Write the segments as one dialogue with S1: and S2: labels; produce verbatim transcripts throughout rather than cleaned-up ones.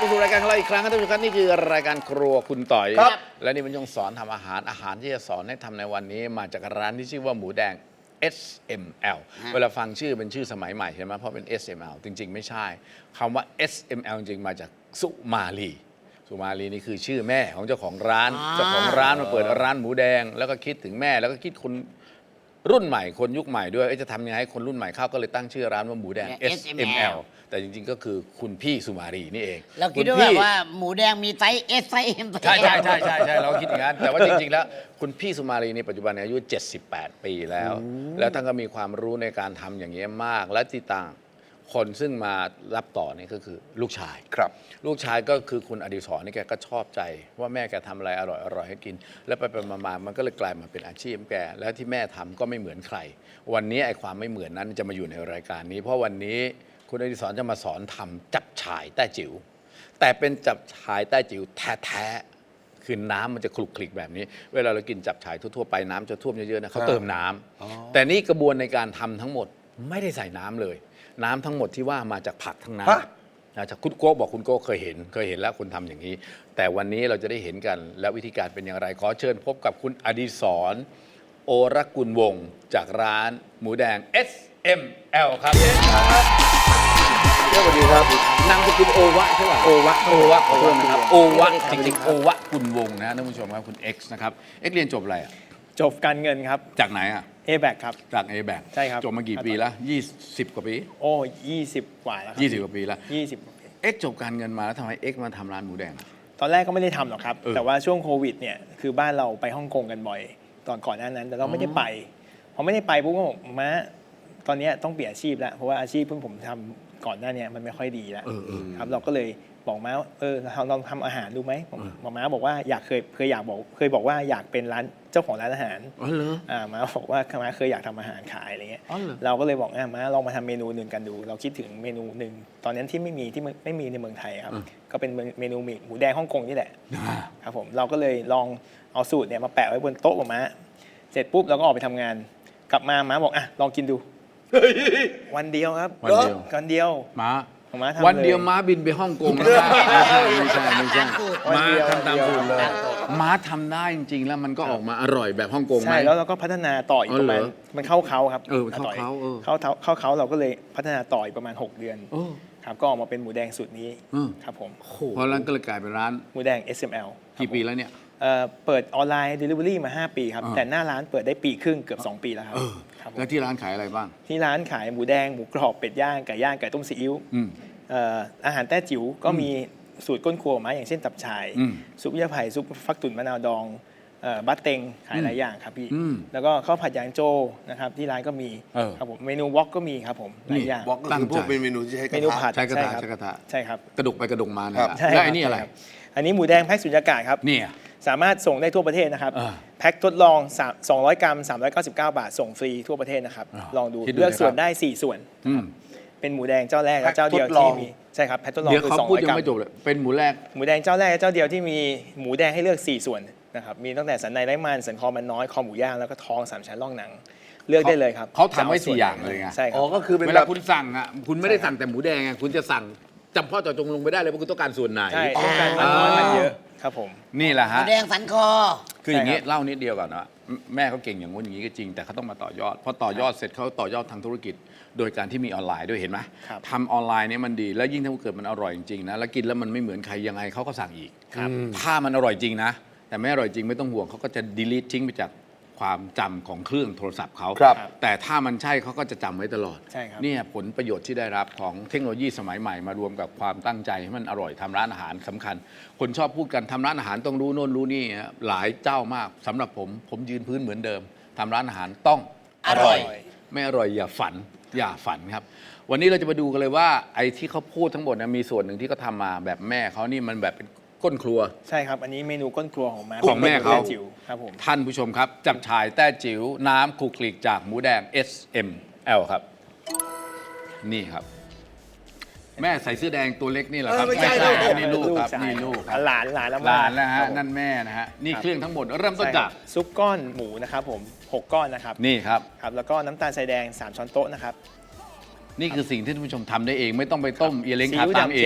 S1: มาสู่รายการของเราอีกครั้งครับท่านผู้ชมครับนี่คือรายการครัวคุณต่อยครับและนี่เป็นช่วงสอนทำอาหารอาหารที่จะสอนให้ทำในวันนี้มาจากร้านที่ชื่อว่าหมูแดง เอส เอ็ม แอล เวลาฟังชื่อเป็นชื่อสมัยใหม่ใช่ไหมเพราะเป็น เอส เอ็ม แอล จริงๆไม่ใช่คำว่า เอส เอ็ม แอล จริงๆมาจากสุมาลีสุมาลีนี่คือชื่อแม่ของเจ้าของร้านเจ้าของร้านมาเปิดร้านหมูแดงแล้วก็คิดถึงแม่แล้วก็คิดคนรุ่นใหม่คนยุคใหม่ด้วยจะทำยังไงให้คนรุ่นใหม่เข้าก็เลยตั้งชื่อร้านว่าหมูแดง เอส เอ็ม แอล แต่จริงๆก็คือคุณพี่สุมาลีนี่เอง
S2: เราคิดว่าแบบว่าหมูแดงมีไซส์ S ไซส์ M
S1: ใช่ใช่ใช่ใช่ใช่เราคิดอย่างนั้นแต่ว่าจริงๆแล้วคุณพี่สุมาลีนี่ปัจจุบันอายุเจ็ดสิบแปดปีแล้ว แล้วท่านก็มีความรู้ในการทำอย่างนี้มากและที่ต่างคนซึ่งมารับต่อนี่ก็คือลูกชาย
S3: ครับ
S1: ลูกชายก็คือคุณอดิศรนี่แกก็ชอบใจว่าแม่แกทำอะไรอร่อยอร่อยให้กิน แล้วไปไปมาๆมันก็เลยกลายมาเป็นอาชีพแกแล้วที่แม่ทำก็ไม่เหมือนใคร วันนี้ไอ้ความไม่เหมือนนั้นจะมาอยู่ในรายการนี้ เพราะวันนี้คุณอดิศรจะมาสอนทำจับฉ่ายแต้จิ๋วแต่เป็นจับฉ่ายแต้จิ๋วแท้ๆคือน้ำมันจะคลุกคลิกแบบนี้ เวลาเรากินจับฉ่ายทั่วๆไปน้ำจะท่วมเยอะๆนะเขาเติมน้ำแต่นี่กระบวนในการทำทั้งหมดไม่ได้ใส่น้ำเลยน้ำทั้งหมดที่ว่ามาจากผักทั้งนั้นนะจากคุณโก้บอกคุณโก้เคยเห็นเคยเห็นแล้วคุณทำอย่างนี้แต่วันนี้เราจะได้เห็นกันแล้ววิธีการเป็นอย่างไรขอเชิญพบกับคุณอดิศรโอรกุลวงศ์จากร้านหมูแดง เอส เอ็ม แอล ครับสวัสดีครับนามสกุลโอวะใช่ไหมโอวะโอวะขอโทษนะครับโอวะจริงๆโอวะกุลวงศ์นะท่านผู้ชมครับคุณ X นะครับ X เรียนจบอะไรอ่ะ
S4: จบการเงินครับ
S1: จากไหนอ่ะ
S4: เอ แบค ครับ
S1: จาก เอ แบค
S4: ใช่ครับ
S1: จบมากี่ปีแล้วยี่สิบกว่าปี
S4: โอ้ยี่สิบกว่าแล้วครับ
S1: ยี่สิบกว่าปีแล้ว
S4: ยี่สิบกว่าปี
S1: X จบการเงินมาแล้วทำไม X มาทำร้านหมูแดงอะ
S4: ตอนแรกก็ไม่ได้ทำหรอกครับ
S1: เออ
S4: แต่ว่าช่วงโควิดเนี่ยคือบ้านเราไปฮ่องกงกันบ่อย ตอนก่อนหน้านั้น แต่เราไม่ได้ไปพอไม่ได้ไปปุ๊บก็บอกม้าตอนนี้ต้องเปลี่ยนอาชีพแล้วเพราะว่าอาชีพเพิ่งผมทำก่อนหน้านี้มันไม่ค่อยดีแล้วครับเราก็เลยบอกม้าเออเราลองทำอาหารดูไหมบอกม้าบอกว่าอยากเคยเคยอยากบอกเคยบอกว่าอยากเป็นร้านเจ้าของร้านอาหาร
S1: อ๋อเหรอ
S4: อ่าม้าบอกว่าม้าเคยอยากทำอาหารขายอะไรเงี้ย
S1: อ๋อเหรอ
S4: เราก็เลยบอกอ่ะม้าลองมาทำเมนูหนึ่งกันดู เราคิดถึงเมนูหนึ่งตอนนั้นที่ไม่มีที่ไม่ไม่มีในเมืองไทยครับก็เป็นเมนูหมูแดงฮ่องกงนี่แหละครับผมเราก็เลยลองเอาสูตรเนี่ยมาแปะไว้บนโต๊ะของม้าเสร็จปุ๊บเราก็ออกไปทำงานกลับมาม้าบอกอ่ะลองกินดูวันเดียวครับ
S1: วันเดียว
S4: วันเดียว
S1: ม้า
S4: ของม้าทำเลย
S1: วันเดียวม้าบินไปฮ่องกงแล้วนะไม่ใช่ไม่ใช่ม้าทำตามสูตรเลยม้าทำได้จริงๆ แล้วมันก็ออกมาอร่อยแบบฮ่องกงไหม
S4: ใช่แล้วเราก็พัฒนาต่ออีก
S1: อ๋อ
S4: ประมาณ
S1: เหรอ
S4: มันเข้าเขาครับ
S1: เออมันเข้า
S4: ต่อย
S1: เขาเออ
S4: เข้าเขาเข้าเขาเราก็เลยพัฒนาต่ออีกประมาณหกเดือน
S1: โอ้
S4: ครับก็ออกมาเป็นหมูแดงสูตรนี้
S1: อืม
S4: ครับผม
S1: เพราะร้านก็เลยกลายเป็นร้าน
S4: หมูแดง เอส เอ็ม แอล
S1: กี่ปีแล้วเนี่ย
S4: เอ่อเปิดออนไลน์ Delivery มาห้าปีครับ
S1: อ่า
S4: แต่หน้าร้านเปิดได้ปีครึ่งเกือบสองปีแล้วครับ
S1: เออ
S4: ครับผม
S1: แล้วที่ร้านขายอะไรบ้าง
S4: ที่ร้านขายหมูแดงหมูกรอบเป็ดย่างไก่ย่างไก่ต้มซีอิ๊ว
S1: อืม
S4: เอ่ออาหารแต้จิ๋วก็มีสูตรก้นครัวออกมาอย่างเช่นตับชาย
S1: อืม
S4: ซุปยาไผ่ซุปฟักตุ๋นมะนาวดองเอ่อบัตเต็งขายหลายอย่างครับพี่
S1: อืม
S4: แล้วก็ข้าวผัดยางโจนะครับที่ร้านก็มี
S1: เออ
S4: ครับผมเมนูวอกก็มีครับผมหลายอย่าง
S3: วอกก็คือพวกเป็นเมนูที่ใช้ก
S4: เม
S3: ระ
S4: นู
S3: ทะ
S4: ผัด
S1: ใช้กระทะ
S4: คบ
S1: ใช้กระทะ
S4: ใช่ครับ
S1: กระดกไปกระดกมาเนี่ย
S3: ครับ
S1: นะ
S4: ใช่
S1: แล้ว
S4: ครับ
S1: ไอ้นี่อะไร
S4: ใช่คบอันนี้หมูแดงแพ็คสุญญากาศครับ
S1: เนี่ย
S4: สามารถส่งได้ทั่วประเทศนะครับ
S1: อ่า
S4: แพ็คทดลองสองร้อยกรัมสามร้อยเก้าสิบเก้าบาทส่งฟรีทั่วประเทศนะครับ
S1: อ่า
S4: ลองดู
S1: คิดดู
S4: เลือก
S1: นะครับ
S4: ส่วนได้สี่ส่วน
S1: อืม
S4: เป็นหมูแดงเจ้าแรกและเจ้าเดียว
S3: แพ็คทดล
S4: ที่
S3: อง
S4: มีใช่ครับแพ็คทดลอง
S1: เดี๋ยว
S4: คือ
S1: เขา
S4: สอง
S1: พูด
S4: ร้อย
S1: ยัง
S4: กรัม
S1: ไม่จบเลยเป็นหมูแรก
S4: หมูแดงเจ้าแรกและเจ้าเดียวที่มีหมูแดงให้เลือกสี่ส่วนนะครับมีตั้งแต่สันในไร้มันสันคอมันน้อยคอหมูย่างแล้วก็ท้องสามชั้นร่องหนัง เลือกได้เลยครับ
S1: เขาทำไว้
S4: จะ
S1: สี่
S4: ส่วน
S1: อย่างเลยไง
S4: ใช่ค
S3: อ๋
S4: รั
S3: อบ ก็คือเป็น
S1: เว
S3: แบ
S1: ลา
S3: บ
S1: คุณสั่งอ่ะคุณไม่ได้สั่งแต่หมูแดงอ่ะคุณจะสั่งจำเพ่อเจาะจงลงไปได้เลยว่าคุณต้องการส่วนไหน
S4: ใช่ต้องการมันน้อยมันเยอะครับผม
S1: นี่แหละ
S2: หมู
S1: ฮะ
S2: แดงสันคอ
S1: คืออย่างนี้
S4: ใช่ครับ
S1: เล่านิดเดียวก่อนนะแม่เขาเก่งอย่างงู้นอย่างนี้ก็จริงแต่เขาต้องมาต่อยอดพอต่อยอดเสร็จเขาต่อยอดทางธุรกิจ โดยการที่มีออนไลน์ด้วยเห็นไหม
S4: ครับ
S1: ทำออนไลน์เนี่ยมันดี แล้วยิ่งถ้าเกิดมันอร่อยจริงๆนะแล้วกินแล้วมันไม่เหมือนใครยังไงเขาก็สั่งอีกถ้ามันอร่อยจริงนะ แต่ไม่อร่อยจริงไม่ต้องห่วงเขาก็จะ delete ทิ้งไปจากความจำของเครื่องโทรศัพท์เขา
S3: ครับ
S1: แต่ถ้ามันใช่เขาก็จะจำไว้ตลอด
S4: ใช่ครับ
S1: เนี่ยผลประโยชน์ที่ได้รับของเทคโนโลยีสมัยใหม่มารวมกับความตั้งใจให้มันอร่อยทำร้านอาหารสำคัญ คนชอบพูดกันทำร้านอาหารต้องรู้โน่นรู้นี่ฮะหลายเจ้ามากสำหรับผมผมยืนพื้นเหมือนเดิมทำร้านอาหารต้อง
S2: อร่อย
S1: ไม่อร่อยอย่าฝันอย่าฝันครับ วันนี้เราจะมาดูกันเลยว่าไอ้ที่เขาพูดทั้งหมดนะมีส่วนหนึ่งที่เขาทำมาแบบแม่เขานี่มันแบบเป็นก้นครัว
S4: ใช่ครับอันนี้เมนูก้นครัวของม้า
S1: ของแม่เขา
S4: ป็นหจิ๋วครับผม
S1: ท่านผู้ชมครับ จับฉ่ายแต้จิ๋วน้ำคลุกคลิกจากหมูแดง เอส เอ็ม แอล ครับ นี่ครับ แม่ใส่เสื้อแดงตัวเล็กนี่แหละครับ
S3: เออไม่ใช่
S1: ครับ
S3: ลูก
S1: นี่ลูกครับ
S4: ใช่
S1: นี่ลูกครับ
S4: หลานหลานแล้ว
S1: หลานนะ
S4: ค
S1: ฮะ
S4: รับผม
S1: นั่นแม่นะฮะนี่
S4: ครับ
S1: เครื่องทั้งหมดเริ่มต้น
S4: ใช่
S1: จาก
S4: ครับซุปก้อนหมูนะครับผมหกก้อนนะครับ
S1: นี่ครับ
S4: ครับแล้วก็น้ำตาลทรายแดงสามช้อนโต๊ะนะครับ
S1: นี่คือสิ่งที่ท่านผู้ชมทำได้เอง ไม่ต้องไปต้มเอียเล้ง
S4: ซี
S1: ทา
S4: อิ๊ว
S1: ตาม
S4: ดำ
S1: เอ
S4: เค็
S1: ง
S4: ม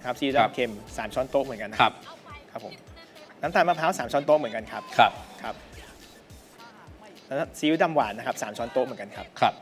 S4: ครับซีอิ๊ว
S1: ครับ
S4: ดำเค็มสามช้อนโต๊ะเหมือนกันนะครับ ครับผมน้ำตาลมะพร้าวสามช้อนโต๊ะเหมือนกันครับ
S1: ครับ
S4: ครับแล้วซีอิ๊วดำหวานนะครับสามช้อนโต๊ะเหมือนกันครับ
S1: ครับ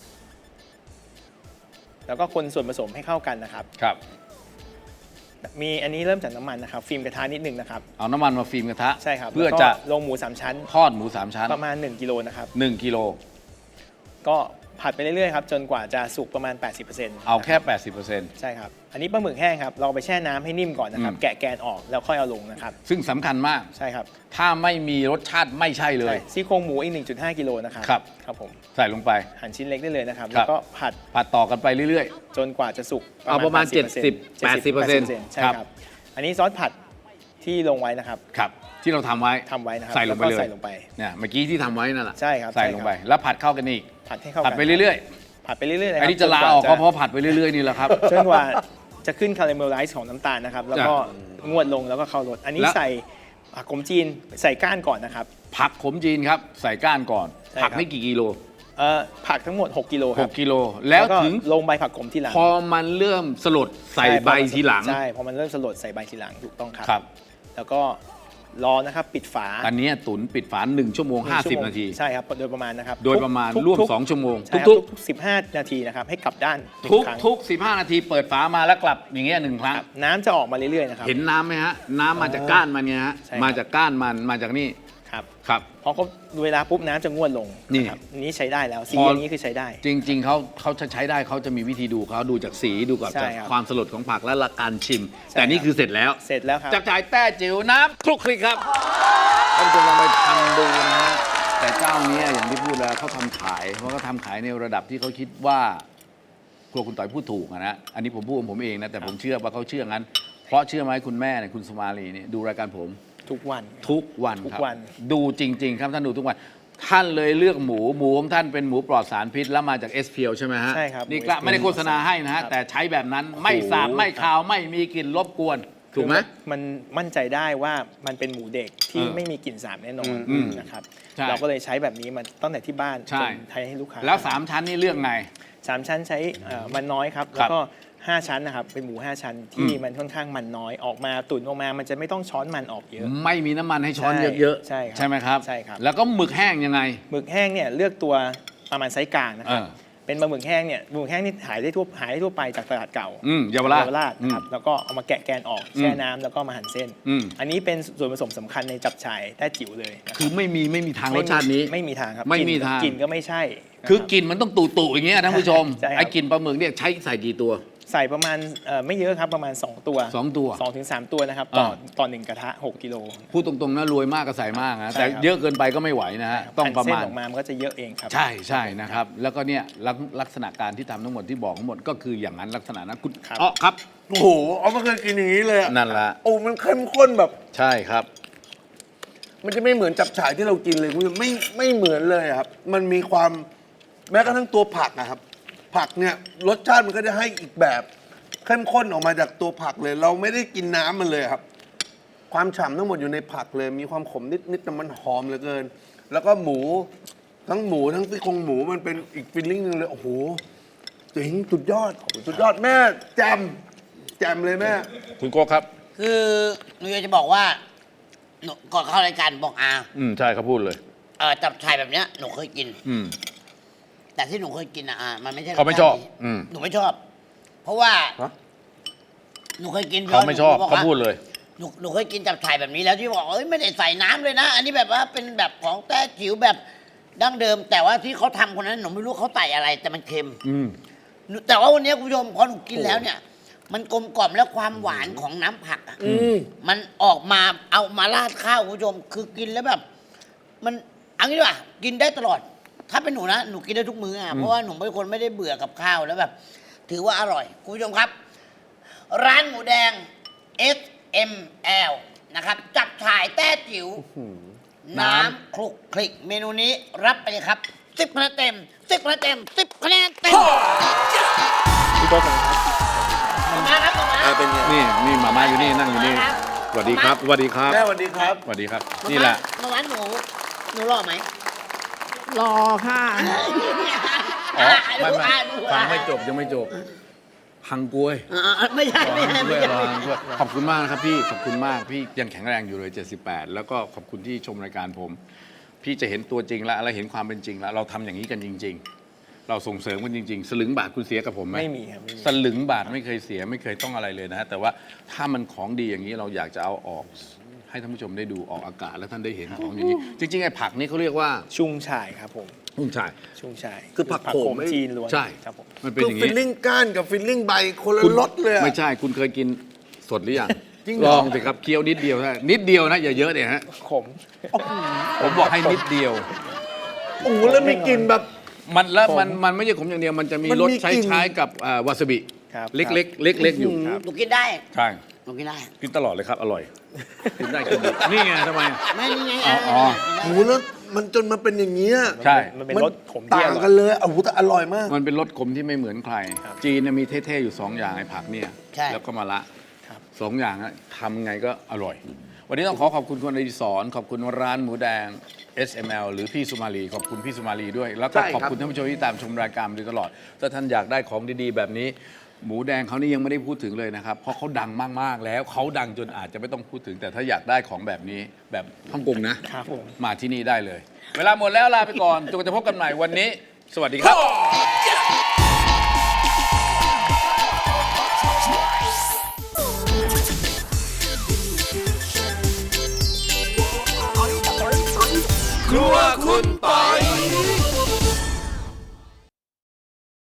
S4: แล้วก็คนส่วนผสมให้เข้ากันนะครับ
S1: ครับ
S4: มีอันนี้เริ่มจากน้ำมันนะครับฟิล์มกระทะนิดนึงนะครับ
S1: เอาน้ำมันมาฟิล์มกระทะ
S4: ใช่ครับ
S1: เพื่อ
S4: แล้วก็
S1: จะ
S4: ลงหมูสามชั้น
S1: ทอดหมูสามชั้น
S4: ประมาณหนึ่งกิโลนะครับ
S1: หนึ่งกิโล
S4: ก็ผัดไปเรื่อยๆครับจนกว่าจะสุกประมาณ แปดสิบเปอร์เซ็นต์
S1: เอาแค่ แปดสิบเปอร์เซ็นต์
S4: ใช่ครับอันนี้ปลาหมึกแห้งครับเราเอาไปแช่น้ำให้นิ่มก่อนนะครับ
S1: อืม
S4: แกะแกนออกแล้วค่อยเอาลงนะครับ
S1: ซึ่งสำคัญมาก
S4: ใช่ครับ
S1: ถ้าไม่มีรสชาติไม่ใช่เลย
S4: ใช่ซี่โครงหมูอีก หนึ่งจุดห้า กิโลนะครับ
S1: ครับ
S4: ครับผม
S1: ใส่ลงไป
S4: หั่นชิ้นเล็กได้เลยนะครับ
S1: ครั
S4: แล้
S1: บ
S4: วก็ผัด
S1: ผัดต่อกันไปเรื่อย
S4: จนกว่าจะสุก
S1: เอาประมาณ
S4: แปดสิบ
S1: แปดสิบเปอร์เซ็นต์
S4: ใช่
S1: ครับ
S4: ครับ อันนี้ซอสผัดที่ลงไว้นะครับ
S1: ๆ ครับ ที่เราทำไว้
S4: ทำไว้นะครับ
S1: ใส่ลงไป
S4: แว
S1: เล
S4: ก็
S1: ย
S4: ใส่ลงไป
S1: เนี่ยเมื่อกี้ที่ทำไว้นั่นแหละ
S4: ใช่ครับ
S1: ใส่
S4: ใช่
S1: ลง
S4: ครับ
S1: ไป แล้วผัดเข้ากันอีก
S4: ผัดให้เข้า
S1: ผัดไปเรื่อย
S4: ผัดไปเรื่อยๆ
S1: ๆ
S4: เลยค
S1: อัน
S4: รับ
S1: นี้จะลาออกก็เพราะผัดไปเรื่อยๆนี่แหละครับ
S4: จนกว่าจะขึ้นคาราเมลไลซ์ของน้ำตาลนะครับ แล้วก็งวดลงแล้วก็เข้ารสอันนี้
S1: แล้ว
S4: ใส่ผักขมจีนใส่ก้านก่อนนะครับ
S1: ผักขมจีนครับ ใส่ก้านก่อน
S4: ใช่
S1: ผัก
S4: ครับ
S1: นี่กี่กิโล
S4: เอ่อผักทั้งหมด หก กิโลค
S1: ห
S4: รับ
S1: กกิโล แล้ว
S4: ก็
S1: ถึง
S4: ลงใบผักขมทีหลัง
S1: พอมันเริ่มสลดใส่
S4: ช่
S1: ใบทีหลัง
S4: ใช่พอมันเริ่มสลดใส่ใบทีหลังถูกต้องครับ
S1: ครับ
S4: แล้วก็รอนะครับปิดฝา
S1: อันเนี้ยตุ๋นปิดฝาหนึ่งชั่วโมง
S4: หนึ่ง
S1: ห้า
S4: ชั่
S1: สิบ
S4: วโมง
S1: นาที
S4: ใช่ครับโดยประมาณนะครับ
S1: โดยประมาณ
S4: ทุก
S1: ร่วม
S4: ทุก
S1: สองชั่วโมง
S4: ใช่ครับ
S1: ทุก
S4: ทุกๆสิบห้า นาทีนะครับให้กลับด้านหนึ่
S1: ๆทุ
S4: ง
S1: ก
S4: ครั้ง
S1: ทุกสิบห้านาทีเปิดฝามาแล้วกลับอย่างเงี้ยหนึ่งครั้ง
S4: ครับน้ำจะออกมาเรื่อยๆนะครับ
S1: เห็นน้ำไหมฮะ น้ำมาจากก้านมันเนี่ยฮะ
S4: ใช่ครับ
S1: มาจากก้านมันมาจากนี่
S4: ครับ
S1: ครับ
S4: พอเขาเวลาปุ๊บน้ำจะงวดลง
S1: นี่
S4: ะครับอันนี้ใช้ได้แล้วสี
S1: พอ
S4: อย่างนี้คือใช้ได้
S1: จริง ๆเขาเขาจะใช้ได้เขาจะมีวิธีดูเขาดูจากสีดูก่อน
S4: ใช่
S1: จาก
S4: ครับ
S1: ความสลดของผักและละการชิม
S4: ใช่
S1: แต่นี่
S4: ครับ
S1: คือเสร็จแล้ว
S4: เสร็จแล้วครับ
S1: จับจ่ายแต้จิ๋วน้ำคลุกคลิกครับท่านผู้ชมลองไปทำดูนะฮะแต่เจ้าเนี้ยอย่างที่พูดแล้วเขาทำขายเพราะเขาทำขายในระดับที่เขาคิดว่าครัวคุณต่อยพูดถูกอะนะอันนี้ผมพูดของผมเองนะแต่ผมเชื่อว่าเขาเชื่องั้น เพราะเชื่อไหมคุณแม่เนี่ยคุณสมาลีเนี่ยดูรายการผม
S4: ทุกวัน
S1: ทุกวัน
S4: ทุก
S1: ครับ
S4: วัน
S1: ดูจริง ๆ ครับท่านดูทุกวัน ท่านเลยเลือกหมูหมูของท่านเป็นหมูปลอดสารพิษแล้วมาจากเอสเพียวใช่ไหมฮะ
S4: ใช่ครับ
S1: นี่ก็
S4: หมู
S1: ไม่ได้โฆษณาให้นะฮะ
S4: ครับ
S1: แต่ใช้แบบนั้นไม่สาบไม่คาวไม่มีกลิ่นรบกวน ถูกไหม
S4: คือมันมั่นใจได้ว่ามันเป็นหมูเด็กที่
S1: เออ
S4: ไม่มีกลิ่นสาบแน่นอน
S1: อืม
S4: นะครับ
S1: ใช่
S4: เราก็เลยใช้แบบนี้มาตั้งแต่ที่บ้าน
S1: ใช่
S4: จนไทยให้ลูกค้า
S1: แล้วสามชั้นนี่เลือกไง
S4: สามชั้นใช้เอ่อมันน้อยครับ
S1: ค
S4: แล้
S1: รับ
S4: วก็ห้าชั้นนะครับเป็นหมูห้าชั้นที่
S1: อืม
S4: มันค่อนข้างมันน้อยออกมาตุ๋นออกมามันจะไม่ต้องช้อนมันออกเยอะ
S1: ไม่มีน้ำมันให้ช้อน
S4: ใช่
S1: เยอะ
S4: ใช่ครับ
S1: ใช่ไหมครับ
S4: ใช่ครับ
S1: แล้วก็หมึกแห้งยังไง
S4: หมึกแห้งเนี่ยเลือกตัวประมาณไซส์กลางนะครับ
S1: เออ
S4: เป็นปลาหมึกแห้งเนี่ยหมึกแห้งนี่หายได้ทั่วหายได้ทั่วไปจากตลาดเก่า
S1: อืมเยาวราช
S4: เยาวราชนะครับแล้วก็เอามาแกะแกนออกแช่น้ำแล้วก็มาหั่นเส้น
S1: อืม
S4: อันนี้เป็นส่วนผสมสำคัญในจับฉ่ายแต้จิ๋วเลยนะครับ
S1: คือไม่มีไม่มีทางรสชาตินี้
S4: ไม่มีทางครับ
S1: ไม่มี
S4: กลิ่น
S1: ทาง
S4: กลิ่นก็ไม่ใช่นะ
S1: คือ
S4: รับ
S1: กลิ่นมันต้องตุ่ๆอย่างเงี้ยท่านผู้ชม
S4: ใช่ครับ
S1: ไอ้กลิ่นปลาหมึกเนี่ยใช้ใส่กี่ตัว
S4: ใส่ประมาณเอ่อไม่เยอะครับประมาณ สอง ตัว
S1: สองตัว
S4: สองถึงสามตัวนะครับต่อ
S1: อ่า
S4: ต่อหนึ่งกระทะหกกิโล
S1: พูดตรงๆนะรวยมากก็ใส่มากนะ
S4: ใช่
S1: แต่
S4: ครับ
S1: เยอะเกินไปก็ไม่ไหวนะฮะต้องประ
S4: หั่นเส้น
S1: มาณ
S4: ออกมามันก็จะเยอะเองครับ
S1: ใช่ใช่นะครับ แล้วก็เนี่ยลักลักษณะการที่ทำทั้งหมดที่บอกทั้งหมดก็คืออย่างนั้นลักษณะนั้นคุณ
S4: ครับ
S1: อ๋อครับ
S3: โอ้โหเอาไม่เคยกินอย่างนี้เลยอะ
S1: นั่นละ
S3: โอ้ มันเข้มข้นแบบ
S1: ใช่ครับ
S3: มันจะไม่เหมือนจับฉ่ายที่เรากินเลยคุณผู้ชมไม่ไม่เหมือนเลยอะครับ มันมีความแม้กระทั่งตัวผักนะครับ ผักเนี่ยรสชาติมันก็จะให้อีกแบบเข้มข้นออกมาจากตัวผักเลย เราไม่ได้กินน้ำมันเลยครับ ความฉ่ำทั้งหมดอยู่ในผักเลย มีความขมนิดๆแต่มันหอมเหลือเกิน แล้วก็หมูทั้งหมูทั้งซี่โครงหมูมันเป็นอีกฟิลลิ่งหนึงเลยโอ้โหเจ๋งสุดยอดสุดยอดแม่แจมแจมเลยแม่
S1: คุณโก้ครับ
S2: คือหนูอยากจะบอกว่าหนูก่อนเข้ารายการบอกอา
S1: อืมใช่เขาพูดเลย
S2: เอ่อจับชายแบบเนี้ยหนูเคยกิน
S1: อืม
S2: แต่ที่หนูเคยกินอะอามันไม่ใช่
S1: เขาไม่ชอบ
S2: รสชาตินี้
S1: อืม
S2: หนูไม่ชอบ เพราะว่า
S3: ฮะ
S2: หนูเคยกิน
S1: เขาไม่ชอบ
S2: หนูบก
S1: เขา
S2: ว่
S1: พูดเลย
S2: หนูหนูเคยกินจับฉ่ายแบบนี้แล้วที่บอกเอ้ยไม่ได้ใส่น้ำเลยนะ อันนี้แบบว่าเป็นแบบของแต้จิ๋วแบบดั้งเดิม แต่ว่าที่เขาทำคนนั้นหนูไม่รู้เขาใส่อะไร แต่มันเค็ม
S1: อืม
S2: หนูแต่ว่าวันนี้คุณผู้ชมพอหนูกินแล้วเนี่ย มันกลมกล่อมแล้วความหวานของน้ำผักอะ
S3: อืม
S2: มันออกมาเอามาราดข้าวคุณผู้ชม คือกินแล้วแบบ มันเอันนี้ดีกว่ากินได้ตลอด ถ้าเป็นหนูนะหนูกินได้ทุกมื้ออ่ะเพราะว่าหนูเป็นคนไม่ได้เบื่อกับข้าวแล้วแบบ ถือว่าอร่อยคุณผู้ชมครับ ร้านหมูแดง เอส เอ็ม แอล นะครับ จับฉ่ายแต้จิ๋วน้ำคลุกคลิกเมนูนี้รับไปเลยครับสิบคะแนนเต็มสิบคะแนนเต็มสิบคะแนนเต็ม
S4: พี่โต๊ะผมครับ
S2: มาครับมา
S3: อ่าเป็นไง
S1: นี่นี่หมาม่าอยู่นี่นั่งอยู่นี่สวัสดีครับสวัสดีครับ
S3: แม่สวัสดีครับ
S1: สวัสดีครับ นี่แหละ
S2: มาร้านหนูหนูรอไหม
S5: รอค่ะ
S1: อ๋อไม่ไม่
S2: อ่ะดูอ่ะ
S1: ฟังไม่จบยังไม่จบฮังกวย
S2: อ่าไม่ใช่ไม่ใช่ไม่
S1: ด้วย
S2: ใช่
S1: รอฮังกวยขอบคุณมากนะครับพี่ขอบคุณมากพี่ยังแข็งแรงอยู่เลยเจ็ดสิบแปดแล้วก็ขอบคุณที่ชมรายการผม พี่จะเห็นตัวจริงแล้วและเห็นความเป็นจริงแล้ว เราทำอย่างนี้กันจริง ๆ เราส่งเสริมกันจริง ๆ สลึงบาทคุณเสียกับผมไหม
S4: ไม่มีครับไม่มี
S1: สลึงบาทไม่เคยเสียไม่เคยต้องอะไรเลยนะฮะแต่ว่าถ้ามันของดีอย่างนี้เราอยากจะเอาออก ให้ท่านผู้ชมได้ดูออกอากาศและท่านได้เห็นของอย่างนี้ จริงๆไอ้ผักนี่เขาเรียกว่า
S4: ชุ่งชายครับผม
S1: หุ้นชาย
S4: ชุ่งชาย
S3: คือผักโขมไม่
S4: จีนล้วน
S1: ใช่
S4: ครับผม
S1: มันเป็น
S3: คือ
S1: อย่าง
S3: ฟิ
S1: นี้
S3: ลลิ่งก้านกับฟิลลิ่งใบคนละ
S1: คุณ
S3: รสเลยอะ
S1: ไม่ใช่คุณเคยกินสดหรือยัง
S3: จริงเหร
S1: ล
S3: อ
S1: องสิครับเคี้ยวนิดเดียวนะนิดเดียวนะอย่าเยอะเนี่ยฮะ
S4: ขม
S1: ผมบอกให้นิดเดียว
S3: โอ้โหแล้วมีกลิ่นแบบ
S1: มันแล้วมันมันไม่ใช่ขมอย่างเดียวมันจะมี
S3: มัน
S1: รส
S3: มี
S1: ใช้
S3: กลิ่น
S1: ใช้กับอ่าวาซาบิ
S4: ครับ
S1: เล็กๆเล็กๆอยู่
S2: หนูกินได้
S1: ใช่
S2: หนูกินได้
S1: กินตลอดเลยครับอร่อยกินได้กินดีนี่ไงทำไมอ่ะ
S2: ไม่นี่ไง
S1: อ๋ออ๋อ
S3: โอ้โหแล้วมันจนมาเป็นอย่างนี้ย
S1: ใช่
S4: มันเป็นรสขมที่
S3: ต่า
S4: อง ร่อย
S3: กันเลยโอ้โหแต่อร่อยมาก
S1: มันเป็นรสขมที่ไม่เหมือนใคร
S4: ครับ
S1: จีนเนี่ยมีเท่ๆอยู่สองอย่างไอ้ผักเนี่ย
S2: ใช่
S1: แล้วก็มะละ
S4: ครับ
S1: สองอย่างอะทำไงก็อร่อย วันนี้ต้องขอขอบคุณคุณอดิศรขอบคุณร้านหมูแดง เอส เอ็ม แอล หรือพี่สุมาลีขอบคุณพี่สุมาลีด้วย แล้วก็
S3: ใช่ครับ
S1: ขอบคุณท่านผู้ชมที่ตามชมรายการมาโดยตลอด ถ้าท่านอยากได้ของดีๆ แบบนี้ หมูแดงเขานี่ยังไม่ได้พูดถึงเลยนะครับ เพราะเขาดังมากๆแล้วเขาดังจนอาจจะไม่ต้องพูดถึง แต่ถ้าอยากได้ของแบบนี้แบบฮ่องกงนะ
S4: ครับผม
S1: มาที่นี่ได้เลย เวลาหมดแล้วลาไปก่อนจนกว่าจะพบกันใหม่วันนี้ สวัสดีครับ